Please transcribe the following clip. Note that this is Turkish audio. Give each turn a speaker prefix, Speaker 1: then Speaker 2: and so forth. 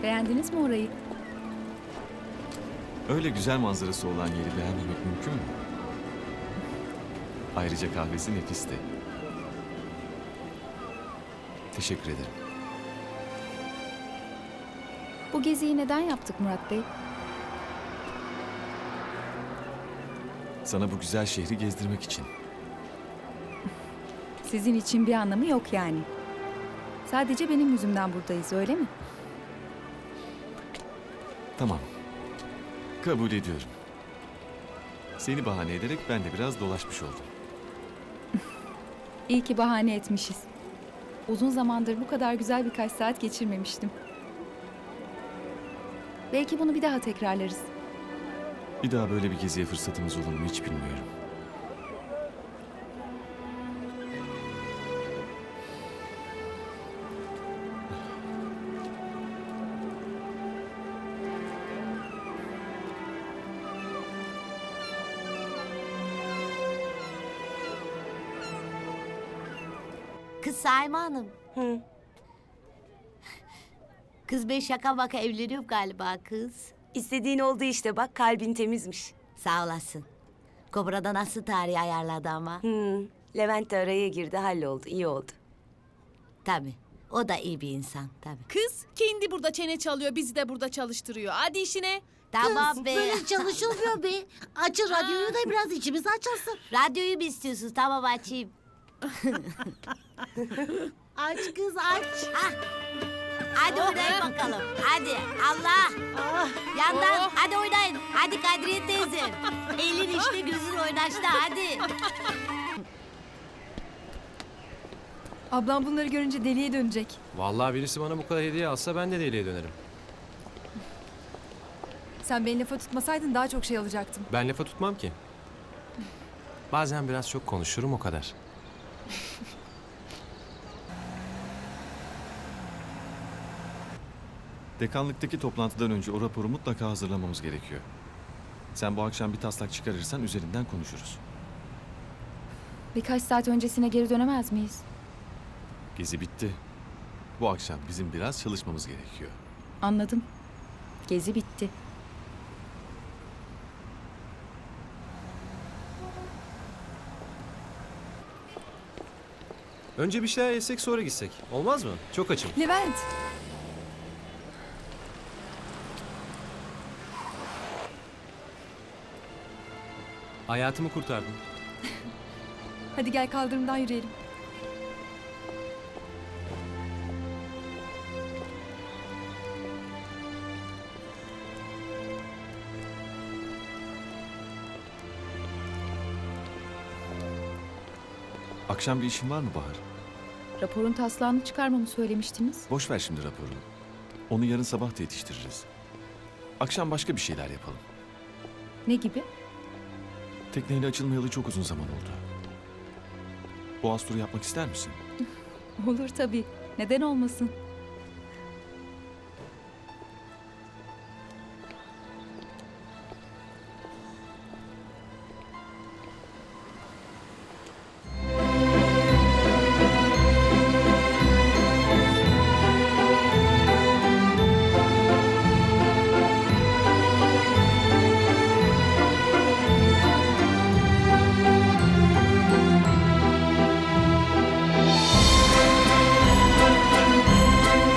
Speaker 1: Beğendiniz mi orayı?
Speaker 2: Öyle güzel manzarası olan yeri beğenmemek mümkün mü? Ayrıca kahvesi nefisti. Teşekkür ederim.
Speaker 1: Bu geziyi neden yaptık Murat Bey?
Speaker 2: Sana bu güzel şehri gezdirmek için.
Speaker 1: Sizin için bir anlamı yok yani. Sadece benim yüzümden buradayız, öyle mi?
Speaker 2: Tamam. Kabul ediyorum. Seni bahane ederek ben de biraz dolaşmış oldum.
Speaker 1: İyi ki bahane etmişiz. Uzun zamandır bu kadar güzel birkaç saat geçirmemiştim. Belki bunu bir daha tekrarlarız.
Speaker 2: Bir daha böyle bir geziye fırsatımız olur mu hiç bilmiyorum.
Speaker 3: Kız Saime Hanım.
Speaker 4: Hı.
Speaker 3: Kız ben şaka maka evleniyorum galiba kız.
Speaker 4: İstediğin oldu işte bak kalbin temizmiş.
Speaker 3: Sağ olasın. Kobra'da nasıl tarih ayarladı ama.
Speaker 4: Levent de araya girdi halloldu iyi oldu.
Speaker 3: Tabii. O da iyi bir insan tabii.
Speaker 5: Kız kendi burada çene çalıyor, bizi de burada çalıştırıyor. Hadi işine.
Speaker 3: Tamam be.
Speaker 6: Böyle çalışılmıyor be. Açın radyoyu da biraz içimiz açılsın.
Speaker 3: Radyoyu mu istiyorsun? Tamam açayım.
Speaker 6: Aç kız aç.
Speaker 3: Hadi oynayın bakalım. Hadi Allah. Yandan hadi oynayın. Hadi Kadriye teyze. Elin işte gözün oynaştı hadi.
Speaker 1: Ablam bunları görünce deliye dönecek.
Speaker 7: Vallahi birisi bana bu kadar hediye alsa ben de deliye dönerim.
Speaker 1: Sen beni lafa tutmasaydın daha çok şey alacaktım.
Speaker 7: Ben lafa tutmam ki. Bazen biraz çok konuşurum o kadar.
Speaker 2: Dekanlıktaki toplantıdan önce o raporu mutlaka hazırlamamız gerekiyor. Sen bu akşam bir taslak çıkarırsan üzerinden konuşuruz.
Speaker 1: Birkaç saat öncesine geri dönemez miyiz?
Speaker 2: Gezi bitti. Bu akşam bizim biraz çalışmamız gerekiyor.
Speaker 1: Anladım. Gezi bitti.
Speaker 7: Önce bir şeyler yesek sonra gitsek. Olmaz mı? Çok açım.
Speaker 1: Levent!
Speaker 7: Hayatımı kurtardın.
Speaker 1: Hadi gel kaldırımdan yürüyelim.
Speaker 2: Akşam bir işin var mı Bahar?
Speaker 1: Raporun taslağını çıkarmamı söylemiştiniz.
Speaker 2: Boş ver şimdi raporu. Onu yarın sabah da yetiştiririz. Akşam başka bir şeyler yapalım.
Speaker 1: Ne gibi?
Speaker 2: Tekneyle açılmayalı çok uzun zaman oldu. Boğaz turu yapmak ister misin?
Speaker 1: Olur tabii. Neden olmasın?